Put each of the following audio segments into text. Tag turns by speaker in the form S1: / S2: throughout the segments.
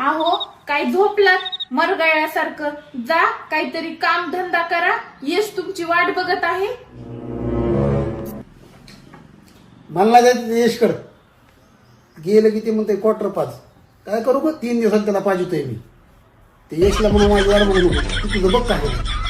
S1: अहो काय झोपलात मरगळ्यासारखं? जा काहीतरी काम धंदा करा, यश तुमची वाट बघत आहे.
S2: मला जायचं यशकड गेलं की ते म्हणते क्वार्टर 5 काय करू ग 3 दिवसात त्याला पाहिजे मी ते यशला म्हणून माझी वाट बघू नको तुझं बघ काय.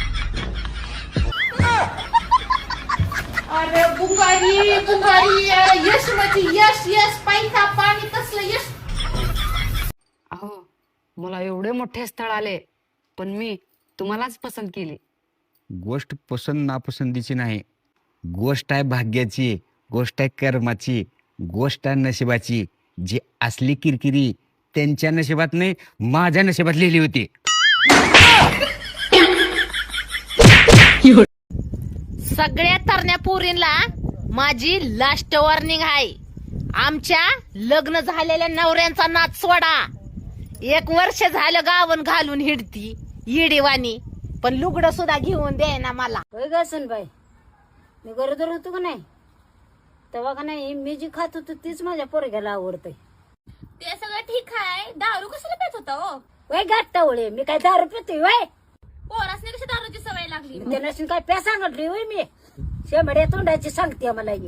S1: अरे बुंगारी बुंगारी यश म्हणजे यश यश पैसा पाणी तसलं यश.
S3: अहो मला एवढे मोठे स्थळ आले पण मी तुम्हालाच पसंत केली.
S4: गोष्ट पसंत नापसंतीची नाही, गोष्ट आहे भाग्याची, गोष्ट आहे कर्माची, गोष्ट आहे नशिबाची. जी असली किरकिरी त्यांच्या नशिबात नाही माझ्या नशिबात लिहिली होती.
S5: सगळ्या तरण्या पोरींना माझी लास्ट वॉर्निंग आहे. आमच्या लग्न झालेल्या नवऱ्यांचा नाच सोडा. 1 वर्ष झालं गावन घालून हिडती येडीवानी, पण लुगडं सुद्धा घेऊन दे ना मला.
S6: होय ग बाई, मी गरोदर होतो का नाही तेव्हा का नाही मी जी खात होतो तीच माझ्या पोरग्याला आवडतंय.
S7: ते सगळं ठीक आहे, दारू कशाला पेत होता हो?
S6: वय गाठवळे मी काय दारू पितोय वय?
S7: पोरासने कशी दारूची सवय लागली?
S6: त्या नसून काय प्या सांगितली होय मी? शेंबड्या तोंडाची सांगते मला ही.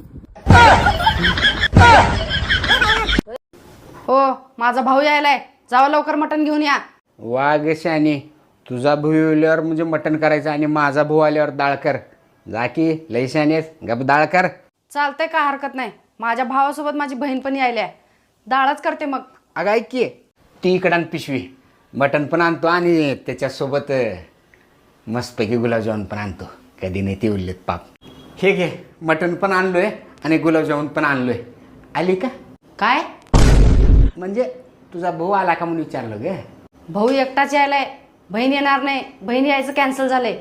S3: हो माझा भाऊ यायलाय, जावा लवकर मटण घेऊन या.
S4: वाघ शानी, तुझा भाऊ आल्यावर म्हणजे मटण करायचं आणि माझा भाऊ आल्यावर डाळ कर. जा की लई शानेस, गप डाळ कर.
S3: चालतंय काय हरकत नाही. माझ्या भावासोबत माझी बहीण पण यायलाय, डाळच करते मग.
S4: अगं ऐक की, ती इकडं आण पिशवी, मटण पण आणतो आणि त्याच्यासोबत मस्तपैकी गुलाबजामुन पण आणतो. कधी नाही ते उरलेत पाप. हे घे, मटण पण आणलोय आणि गुलाबजामुन पण आणलोय. आली का?
S3: काय
S4: म्हणजे तुझा भाऊ आला का म्हणून विचारलं ग.
S3: भाऊ एकटाच यायलाय, बहीण येणार नाही. बहीण यायचं कॅन्सल झालंय.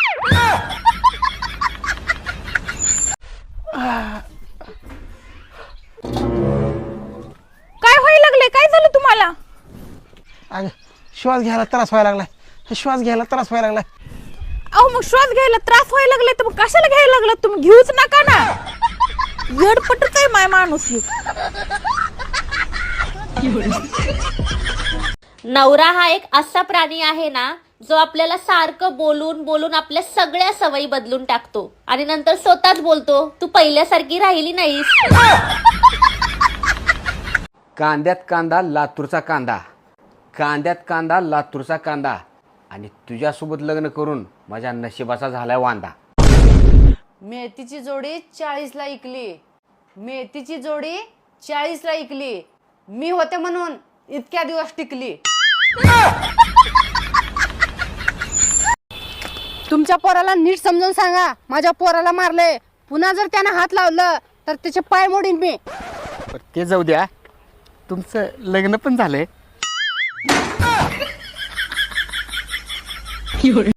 S1: काय व्हायला लागले? काय झालं तुम्हाला?
S2: अगं श्वास घ्यायला त्रास व्हायला लागलाय, श्वास घ्यायला त्रास व्हायला लागलाय.
S1: अहो मग श्वास घ्यायला त्रास व्हायला लागले तर मग कशाला घ्यायला लागलात तुम्ही? घेऊच नका ना, येडपटच आहे माय माणूस.
S7: नवरा हा एक असा प्राणी आहे ना, जो आपल्याला सारखं बोलून बोलून आपल्या सगळ्या सवयी बदलून टाकतो आणि नंतर स्वतःच बोलतो तू पहिल्यासारखी राहिली नाहीस.
S4: कांद्यात कांदा लातूरचा कांदा, कांद्यात कांदा लातूरचा कांदा, आणि तुझ्यासोबत लग्न करून माझ्या नशिबाचा झालाय वांदा.
S3: मेथीची जोडी 40ला इकली, मेथीची जोडी 40ला इकली. मी होते म्हणून इतक्या दिवस टिकली. तुमच्या पोराला नीट समजून सांगा, माझ्या पोराला मारले. पुन्हा जर त्यानं हात लावलं तर त्याचे पाय मोडीन मी.
S4: ते जाऊ द्या, तुमचं लग्न पण झालंय.